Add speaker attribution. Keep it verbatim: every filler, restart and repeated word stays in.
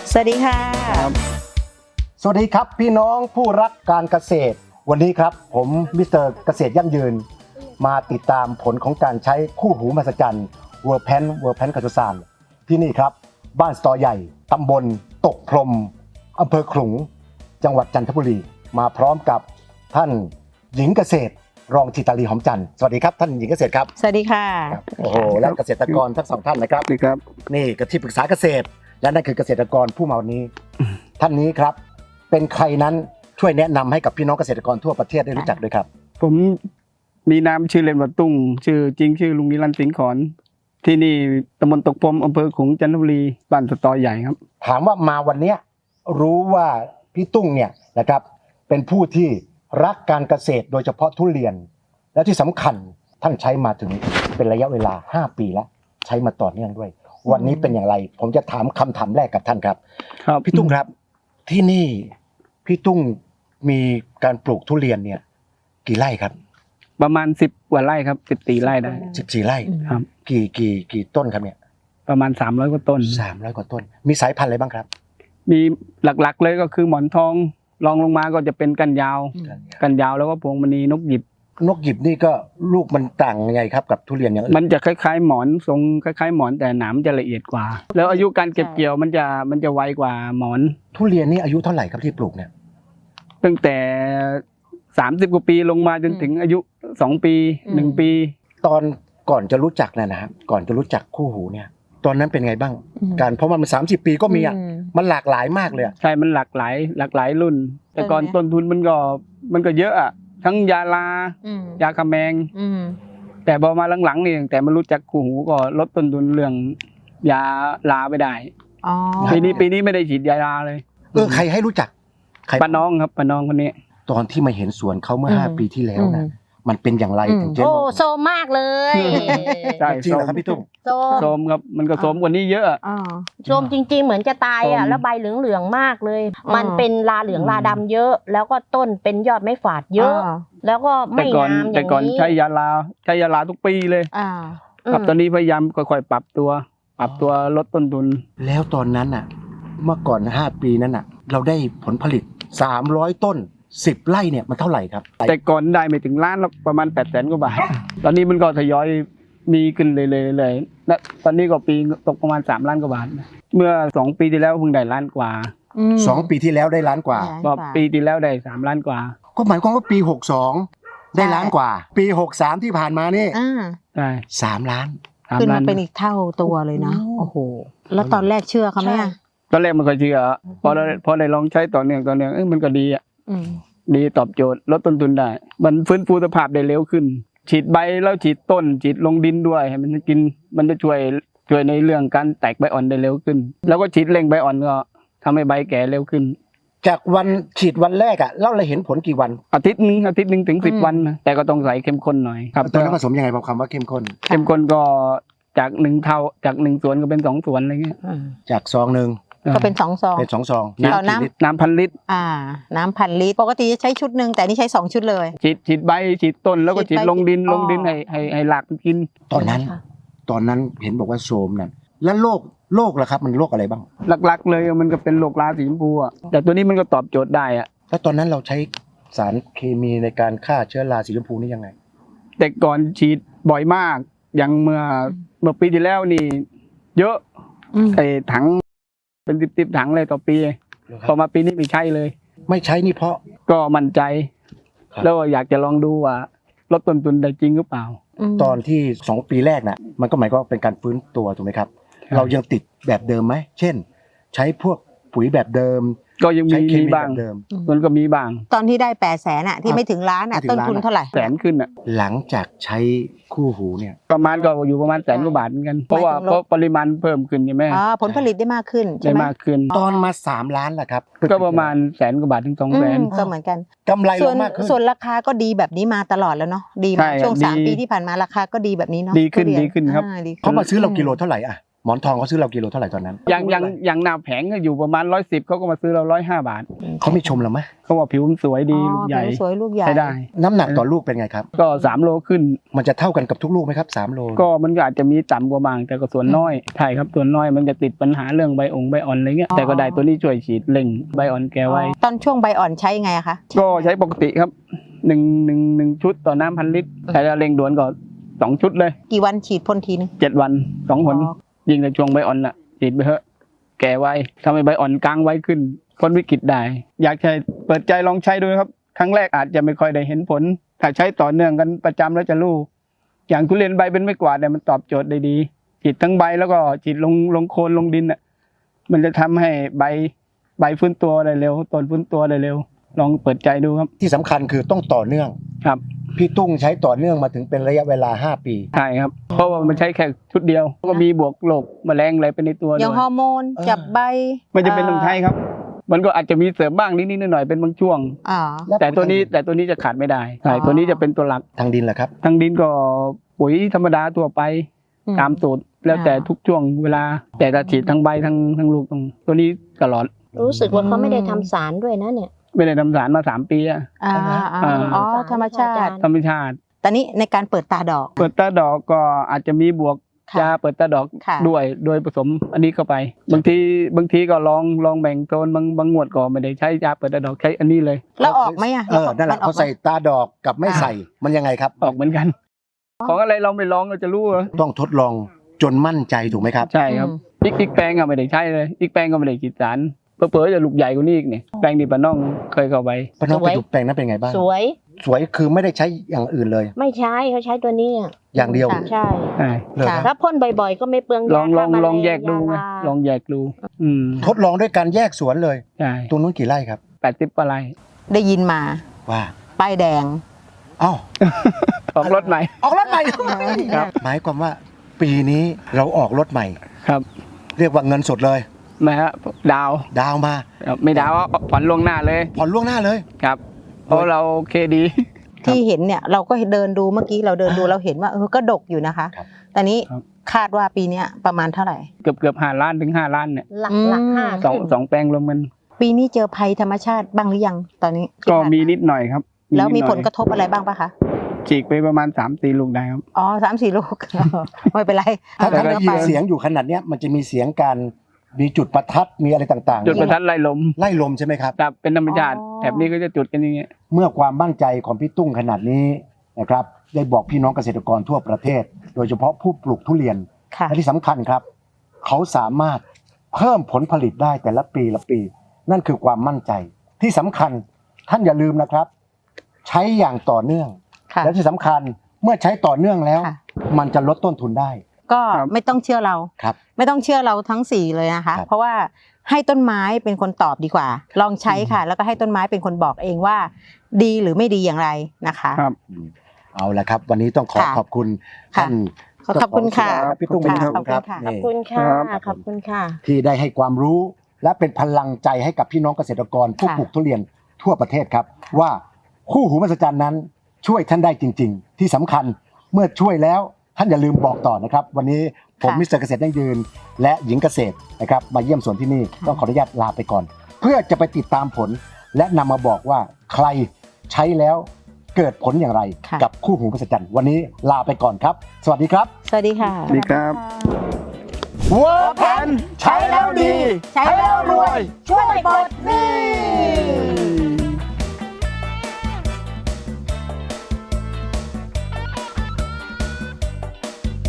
Speaker 1: สวัสดีค่ะ
Speaker 2: สวัสดีครับพี่น้องผู้รักการเกษตรวันนี้ครับผมมิสเตอร์เกษตรยั่งยืนมาติดตามผลของการใช้คู่หูมหัศจรรย์เวอร์แพนเวอร์แพนกัจจุสานที่นี่ครับบ้านสตอใหญ่ตำบลตกพรมอำเภอขลุงจังหวัดจันทบุรีมาพร้อมกับท่านหญิงเกษตรรองธิตาลีหอมจันทร์สวัสดีครับท่านหญิงเกษตรครับ
Speaker 1: สวัสดีค่ะ
Speaker 2: โอ้โหและเกษตรกรทั้งสองท่านนะครับ
Speaker 3: นี่ครับ
Speaker 2: นี่กที่ปรึกษาเกษตรและนั่นคือเกษตรกรผู้มาวันนี้ท่านนี้ครับเป็นใครนั้นช่วยแนะนำให้กับพี่น้องเกษตรกรทั่วประเทศได้รู้จักด้วยครับ
Speaker 3: ผมมีนามชื่อเล่นว่าตุ้งชื่อจริงชื่อลุงนิรันดร์สิงห์ขอนที่นี่ตำบลตกพรมอำเภอขลุงจันทบุรีบ้านสตอใหญ่ครับ
Speaker 2: ถามว่ามาวันนี้รู้ว่าพี่ตุ้งเนี่ยนะครับเป็นผู้ที่รักการเกษตรโดยเฉพาะทุเรียนและที่สำคัญท่านใช้มาถึงเป็นระยะเวลาห้าปีแล้วใช้มาต่อเนื่องด้วยวันนี้เป็นอย่างไรผมจะถามคำถามแรกกับท่านครับ
Speaker 3: ครับ
Speaker 2: พี่ตุ้งครับที่นี่พี่ตุ้งมีการปลูกทุเรียนเนี่ยกี่ไร่ครับ
Speaker 3: ประมาณสิบกว่าไร่ครับสิบสี่ไร่ได้
Speaker 2: สิบสี่ไร่
Speaker 3: ครับ
Speaker 2: กี่กี่กี่ต้นครับเนี่ย
Speaker 3: ประมาณสามร้อยกว่าต้น
Speaker 2: สามร้อยกว่าต้นมีสายพันธุ์อะไรบ้างครับ
Speaker 3: มีหลักๆเลยก็คือหมอนทองรองลงมาก็จะเป็นกันยาวกันยาวแล้วก็พวงมณีนกหยิบ
Speaker 2: นกหยิบนี่ก็ลูกมันต่างยังไงครับกับทุเรียนอย่างอื่น
Speaker 3: มันจะคล้ายๆหมอนทรงคล้ายๆหมอนแต่หนามจะละเอียดกว่าแล้วอายุการเก็บเกี่ยวมันจะมันจะไวกว่าหมอน
Speaker 2: ทุเรียนนี่อายุเท่าไหร่ครับที่ปลูกเนี่ย
Speaker 3: ตั้งแต่สามสิบกว่าปีลงมาจนถึงอายุสองปีหนึ่งปี
Speaker 2: ตอนก่อนจะรู้จักนะนะครับก่อนจะรู้จักคู่หูเนี่ยตอนนั้นเป็นไงบ้างการเพราะมันสามสิบปีก็มีอ่ะมันหลากหลายมากเลย
Speaker 3: ใช่มันหลากหลายหลากหลายรุ่นแต่ก่อนต้นทุนมันก็มันก็เยอะอ่ะทั้งยาลายาคาแมงแต่พอมาหลังๆนี่แต่มารู้จักคู่หูก็ลดต้นทุนเรื่องยาลาไปได้ปีนี้ปีนี้ไม่ได้ฉีดยาลาเลย
Speaker 2: เออใครให้รู้จัก
Speaker 3: ป้าน้องครับป้าน้องคนนี้
Speaker 2: ตอนที่มาเห็นสวนเขาเมื่อห้าปีที่แล้วนะมันเป็นอย่างไรถึงเจ๊
Speaker 1: โอ้โซมมากเลย
Speaker 3: ใช่
Speaker 2: จริงเหรอครับพี่ตุ้ม
Speaker 3: โซมครับมันก็โซมกว่านี้เยอะ
Speaker 1: โซมจริงๆเหมือนจะตายอ่ะแล้วใบเหลืองๆมากเลยมันเป็นลาเหลืองลาดำเยอะแล้วก็ต้นเป็นยอดไม้ฝาดเยอะแล้วก็ไม่งามอย่างนี้
Speaker 3: แต่ก่อนใช้ยาลาใช้ยาลาทุกปีเลยครับตอนนี้พยายามค่อยๆปรับตัวปรับตัวลดต้นทุน
Speaker 2: แล้วตอนนั้นอ่ะเมื่อก่อนห้าปีนั้นอ่ะเราได้ผลผลิตสามร้อยต้นสิบไร่เนี่ยมันเท่าไหร่ครับ
Speaker 3: แต่ก่อนได้ไม่ถึงล้านหรอกประมาณแปดแสนกว่าบาทตอนนี้มันก็ทยอยมีขึ้นเลยเลยเลยและตอนนี้ก็ปีตกประมาณสามล้านกว่าบาทเมื่อสองปีที่แล้วเพิ่งได้ล้านกว่า
Speaker 2: สองปีที่แล้วได้ล้านกว่า
Speaker 3: ก็ปีที่แล้วได้สามล้านกว่า
Speaker 2: ก็หมายความว่าปีหกสองได้ล้านกว่าปีหกสามที่ผ่านมานี่
Speaker 3: ใช่
Speaker 2: สามล้าน
Speaker 1: ขึ้นมาเป็นอีกเท่าตัวเลยนะโอ้โหแล้วตอนแรกเชื่อเขาไหม
Speaker 3: ตอนแรกมันก็เชื่อพอเราพอได้ลองใช้ต่อเนื่องต่อเนื่องเอ้ยมันก็ดีอ่ะดีตอบโจทย์ลดต้นทุนได้มันฟื้นฟูสภาพได้เร็วขึ้นฉีดใบแล้วฉีดต้นฉีดลงดินด้วยให้มันกินมันจะช่วยช่วยในเรื่องการแตกใบอ่อนได้เร็วขึ้นแล้วก็ฉีดเร่งใบอ่อนก็ทำให้ใบแก่เร็วขึ้น
Speaker 2: จากวันฉีดวันแรกอ่ะเราเลยเห็นผลกี่วัน
Speaker 3: อาทิตย์นึงอาทิตย์นึงถึงสิบวันนะแต่ก็ต้องใส่เข้มข้นหน่อย
Speaker 2: ครับตอนนั้นผสมยังไงบอกคำว่าเข้มข้น
Speaker 3: เข้มข้นก็จากหนึ่งเท่าจากหนึ่งส่วนก็เป็นสองส่วนอะไรเงี้ย
Speaker 2: จากซองหนึ่ง
Speaker 1: ก็เป็นสองซอง
Speaker 2: เป็นสองซอง
Speaker 1: น้
Speaker 3: ำน้ำพันลิตร
Speaker 1: อ่าน้ำพันลิตรปกติจะใช้ชุดหนึ่งแต่นี่ใช้สองชุดเลย
Speaker 3: ฉีดฉีดใบฉีดต้นแล้วก็ฉีดลงดินลงดินให้ให้ให้หลากมันกิน
Speaker 2: ตอนนั้นตอนนั้นเห็นบอกว่าโซมนั่นแล้วโรคโรคล่ะครับมันโรคอะไรบ้าง
Speaker 3: หลักๆเลยมันก็เป็นโรคราสีชมพูอ่ะแต่ตัวนี้มันก็ตอบโจทย์ได้อ่ะ
Speaker 2: แล้วตอนนั้นเราใช้สารเคมีในการฆ่าเชื้อราสีชมพูนี่ยังไง
Speaker 3: แต่ก่อนฉีดบ่อยมากอย่างเมื่อเมื่อปีที่แล้วนี่เยอะไอ้ถังเป็นสิบๆถังเลยต่อปีพอมาปีนี้ไม่ใช่เลย
Speaker 2: ไม่ใช้นี่เพราะ
Speaker 3: ก็มั่นใจแล้วอยากจะลองดูว่าลดต้นทุนได้จริงหรือเปล่า
Speaker 2: ตอนที่สองปีแรกน่ะมันก็หมายความว่าเป็นการฟื้นตัวถูกไหมครับเรายังติดแบบเดิมไหมเช่นใช้พวกปุ๋ยแบบเดิม
Speaker 3: ก็ยังมีบ้างมันก็มีบ้าง
Speaker 1: ตอนที่ได้แปดแสนอ่ะที่ไม่ถึงล้านอ่ะต้นทุนเท่าไหร่
Speaker 3: แสนขึ้นอ่ะ
Speaker 2: หลังจากใช้คู่หูเนี่ย
Speaker 3: ประมาณก็อยู่ประมาณแสนกว่าบาทเหมือนกันเพราะว่าเพราะปริมาณเพิ่มขึ้นใช่ไหม
Speaker 1: อ๋อผลผลิตได้มากขึ้นใช่
Speaker 3: ไหมได้มากขึ้น
Speaker 2: ตอนมาสามล้านแหละครับ
Speaker 3: ก็ประมาณแสนกว่าบาทถึงสองแสน
Speaker 1: ก็เหมือนกัน
Speaker 2: กำไรลงมากขึ้น
Speaker 1: ส่วนราคาก็ดีแบบนี้มาตลอดแล้วเนาะดีมาช่วงสามปีที่ผ่านมาราคาก็ดีแบบนี้เนาะ
Speaker 3: ดีขึ้นดีขึ้นครับ
Speaker 2: เขามาซื้อเรากิโลเท่าไหร่อ่ะหมอนทองเขาซื้อเรากิโลเท่าไหร่ตอนนั้น
Speaker 3: อย่างอย่างอย่างหน้าแผงก็อยู่ประมาณร้อยสิบเขาก็มาซื้อเราร้อยห้าบาท
Speaker 2: เขาไม่ชมเราไหม
Speaker 3: เขาบอกผิวมันสวยดีลูกใหญ่
Speaker 4: ผิวสวยลูกใหญ่
Speaker 3: ใช้ได้
Speaker 2: น้ำหนักต่อลูกเป็นไงครับ
Speaker 3: ก็สามโลขึ้น
Speaker 2: มันจะเท่ากันกับทุกลูกไหมครับสามโล
Speaker 3: ก็มันก็อาจจะมีต่ำกว่าบางแต่ก็ส่วนน้อยใช่ครับส่วนน้อยมันจะติดปัญหาเรื่องใบองค์ใบอ่อนอะไรเงี้ยแต่ก็ได้ตัวนี้ช่วยฉีดเร่งใบอ่อนแกไว้
Speaker 4: ตอนช่วงใบอ่อนใช้ยังไงอะคะ
Speaker 3: ก็ใช้ปกติครับหนึ่งหนึ่งหนึ่งชุดต่อน้ำพันลิตรแต่ถ้าเร่งด่วนก็สองชุดเลย
Speaker 4: กี่วันฉีดพ่นทีนึง
Speaker 3: เจ็ดวันสองหน
Speaker 4: อ๋อ
Speaker 3: ยิงในช่วงใบอ่อนน่ะฉีดไปเถอะแก่ไว้ทำให้ใบอ่อนกลางไว้ขึ้นพ้นวิกฤตได้ อยากใช้เปิดใจลองใช้ดูนะครับครั้งแรกอาจจะไม่ค่อยได้เห็นผลถ้าใช้ต่อเนื่องกันประจำแล้วจะรู้อย่างทุเรียนใบเป็นไม่กวาดเนี่ยมันตอบโจทย์ได้ดีฉีดทั้งใบแล้วก็ฉีดลงลงโคนลงดินอ่ะมันจะทำให้ใบใบฟื้นตัวได้เร็วต้นฟื้นตัวได้เร็วลองเปิดใจดูครับ
Speaker 2: ที่สำคัญคือต้องต่อเนื่อง
Speaker 3: ครับ
Speaker 2: พี่ตุ้งใช้ต่อเนื่องมาถึงเป็นระยะเวลาห้าปี
Speaker 3: ใช่ครับเพราะว่ามันใช้แค่ชุดเดียวก็มีบวกโรคแมลงอะไรไปในตัว
Speaker 4: อ
Speaker 3: ด้
Speaker 4: ย่าง
Speaker 3: วย
Speaker 4: ฮอร์โมนจับใบ
Speaker 3: ไม่จะเป็นต้องใช้ครับ มันก็อาจจะมีเสริมบ้างนิดๆหน่อยๆเป็นบางช่วง
Speaker 4: อ๋อ
Speaker 3: แต่ตัวนี้แต่ตัวนี้จะขาดไม่ได้ใช่
Speaker 4: อ๋อ
Speaker 3: ตัวนี้จะเป็นตัวหลัก
Speaker 2: ทางดินแหละครับ
Speaker 3: ทางดินก็ปุ๋ยธรรมดาทั่วไป
Speaker 4: อืม
Speaker 3: ตามสูตรแล้วแต่
Speaker 4: อ่า
Speaker 3: ทุกช่วงเวลา แต่ถ้าฉีดทั้งใบทั้งทั้งลูกตรงตัวนี้ตลอด
Speaker 1: รู้สึกว่าเขาไม่ได้ทำสารด้วยนะเนี่ย
Speaker 3: ไม่ได้ทำสารมาสามปีอะ
Speaker 4: อ่า
Speaker 3: อ่า
Speaker 4: อ๋อธรรมชาติ
Speaker 3: ธรรมชาติ
Speaker 4: ตอนนี้ในการเปิดตาดอก
Speaker 3: เปิดตาดอกก็อาจจะมีบวก
Speaker 4: ค่ะ
Speaker 3: ยาเปิดตาดอก
Speaker 4: ค่ะ
Speaker 3: ด้วยโดยผสมอันนี้เข้าไป บางทีบางทีก็ลองลองแบ่งโซนบางบางงวดก็ไม่ได้ใช้ยาเปิดตาดอกใช้อันนี้เลย
Speaker 4: แล้วออกไหมอะ
Speaker 2: เออนั่นแหละ
Speaker 4: มัออก
Speaker 2: เขาใส่ตาดอกกับไม่
Speaker 4: อ่า
Speaker 2: ใส่มันยังไงครับ
Speaker 3: ออกเหมือนกัน ของอะไรเราไม่ลองเราจะรู้เหรอ
Speaker 2: ต้องทดลองจนมั่นใจถูกไหมครับ
Speaker 3: ใช่ครับ
Speaker 4: อืม
Speaker 3: อีกอีกแปลงอะไม่ได้ใช้เลยอีกแปลงก็ไม่ได้ฉีดสารเผลอๆจะลูกใหญ่กว่านี้อีกเนี่ยแปลงที่ป้าน้องเคยเข้าไป
Speaker 2: ป้าน้อง
Speaker 1: สวย
Speaker 2: ไปดูแปลงนั้นเป็นไงบ้าง
Speaker 1: สวย
Speaker 2: สวยคือไม่ได้ใช้อย่างอื่นเลย
Speaker 1: ไม่ใช้เขาใช้ตัวนี้อะ
Speaker 2: อย่างเดียว
Speaker 4: ค่ะ
Speaker 1: ใช่
Speaker 3: ใช่
Speaker 2: เลยค
Speaker 4: ค่ะ
Speaker 2: รับ
Speaker 1: ถ้าพ่นบ่อยๆ ก็ไม่เปลือง
Speaker 3: ลองล
Speaker 1: ยา
Speaker 3: อง
Speaker 1: ฆ่าแม
Speaker 3: ลองแยกดูไง
Speaker 1: ยาลา
Speaker 3: ลองแยกดู อืม
Speaker 2: ทดลองด้วยการแยกสวนเลย
Speaker 3: ใช่
Speaker 2: ตรงนู้นกี่ไร่ครับ
Speaker 3: แปดสิบปลาย
Speaker 4: ได้ยินมา
Speaker 2: ว่า
Speaker 4: ป้ายแดง
Speaker 2: เอ้า
Speaker 3: ออกรถใหม่
Speaker 2: ออกรถใหม่
Speaker 3: ครับ
Speaker 2: หมายความว่าปีนี้เราออกรถใหม่
Speaker 3: ครับ
Speaker 2: เรียกว่าเงินสดเลย
Speaker 3: นะฮะดาว
Speaker 2: ดาวมา
Speaker 3: ไม่ดาวเอาผ่อนล่วงหน้าเลย
Speaker 2: ผ่อนล่วงหน้าเลย
Speaker 3: ครับ เพราะเราเคดี
Speaker 4: ที่เห็นเนี่ยเราก็เดินดูเมื่อกี้เราเดินดูเราเห็นว่าเออก็ดกอยู่นะคะ
Speaker 2: ครับ
Speaker 4: ตอนนี้
Speaker 3: ครับ
Speaker 4: คาดว่าปีเนี้ยประมาณเท่าไหร่
Speaker 3: เกือบเกือบห้าล้านถึงห้าล้านเนี่ย
Speaker 1: หลัก
Speaker 4: อืม
Speaker 1: หลักห้า
Speaker 3: สอง
Speaker 1: ขึ้น
Speaker 3: สองแปลงรวมกัน
Speaker 4: ปีนี้เจอภัยธรรมชาติบ้างหรือยังตอนนี้ที่
Speaker 3: ก็
Speaker 4: ผ่าน
Speaker 3: มีนิดหน่อยครับ
Speaker 4: แล้วมี
Speaker 3: นิดหน่อย
Speaker 4: ผลกระทบอะไรบ้างปะคะ
Speaker 3: ฉีกไปประมาณสามสี่ลูกได้ครับ
Speaker 4: อ๋อสามสี่ลูก ไม่เป็นไร
Speaker 2: ถ้า
Speaker 4: เอา
Speaker 2: ท่าน
Speaker 4: เนื้
Speaker 2: ได้
Speaker 4: อ
Speaker 2: ยิ
Speaker 4: ไป
Speaker 2: นเสียงอยู่ขนาดเนี้ยมันจะมีเสียงการมีจุดประทัดมีอะไรต่างๆ
Speaker 3: จุดประทัดไล่ลม
Speaker 2: ไล่ลมใช่ไหมครับ
Speaker 3: ครับเป็นธรรมชาติ
Speaker 4: อ๋อ
Speaker 3: แถบนี้ก็จะจุดกันอย่างเงี้ย
Speaker 2: เมื่อความมั่นใจของพี่ตุ้งขนาดนี้นะครับได้บอกพี่น้องเกษตรกรทั่วประเทศ โดยเฉพาะผู้ปลูกทุเรียน
Speaker 4: ค่ะ
Speaker 2: และที่สำคัญครับ เขาสามารถเพิ่มผลผลิตได้แต่ละปีละปี นั่นคือความมั่นใจที่สำคัญท่านอย่าลืมนะครับ ใช้อย่างต่อเนื่อง
Speaker 4: ค่ะ
Speaker 2: และที่สำคัญเมื่อใช้ต่อเนื่องแล้ว
Speaker 4: ค่ะ
Speaker 2: มันจะลดต้นทุนได้
Speaker 4: ก็ไม่ต้องเชื่อเรา
Speaker 2: ครับ
Speaker 4: ไม่ต้องเชื่อเราทั้งสี่เลยนะคะ
Speaker 2: ครับ
Speaker 4: เพราะว่าให้ต้นไม้เป็นคนตอบดีกว่า ลองใช้ค่ะ แล้วก็ให้ต้นไม้เป็นคนบอกเองว่า ดีหรือไม่ดีอย่างไรนะคะ
Speaker 3: ครับ
Speaker 2: เอาละครับ วันนี้ต้องขอ
Speaker 4: ค่ะ
Speaker 2: ขอบคุณ
Speaker 4: ค่ะ
Speaker 2: ท่าน
Speaker 4: ขอบคุณค่ะ
Speaker 2: เจ้าของสวนพี่ตุ้งเป็นอย่าง
Speaker 4: ข
Speaker 2: สู
Speaker 4: อบ
Speaker 2: ง
Speaker 4: คุ
Speaker 2: ค
Speaker 4: ณ
Speaker 2: รับ
Speaker 4: ค่ะ
Speaker 1: ขอบ
Speaker 2: นี่
Speaker 1: คุณค่ะ
Speaker 3: ครับ
Speaker 1: ขอบคุณค่ะ
Speaker 2: ที่ได้ให้ความรู้และเป็นพลังใจให้กับพี่น้องเกษตรกรผู้
Speaker 4: ค่ะ
Speaker 2: ปลูกทุเรียนทั่วประเทศครับ ว่าคู่หูมหัศจรรย์นั้นช่วยท่านได้จริง ๆ ที่สำคัญเมื่อช่วยแล้วท่านอย่าลืมบอกต่อนะครับ วันนี้ผมมิสเตอร์เกษตรยั่งยืน และหญิงเกษตรนะครับมาเยี่ยมสวนที่นี่ต้องขออนุญาตลาไปก่อน เพื่อจะไปติดตามผล และนำมาบอกว่าใครใช้แล้วเกิดผลอย่างไร
Speaker 4: ค่ะ
Speaker 2: กับคู่หูมหัศจรรย์วันนี้ลาไปก่อนครับ สวัสดีครับ
Speaker 4: สวัสดีค่ะ
Speaker 3: สวัสดีครับ
Speaker 2: เวิร์กแพนใช้แล้วดี
Speaker 4: ใช้แล้วรวย
Speaker 2: ช่วยปลดหนี้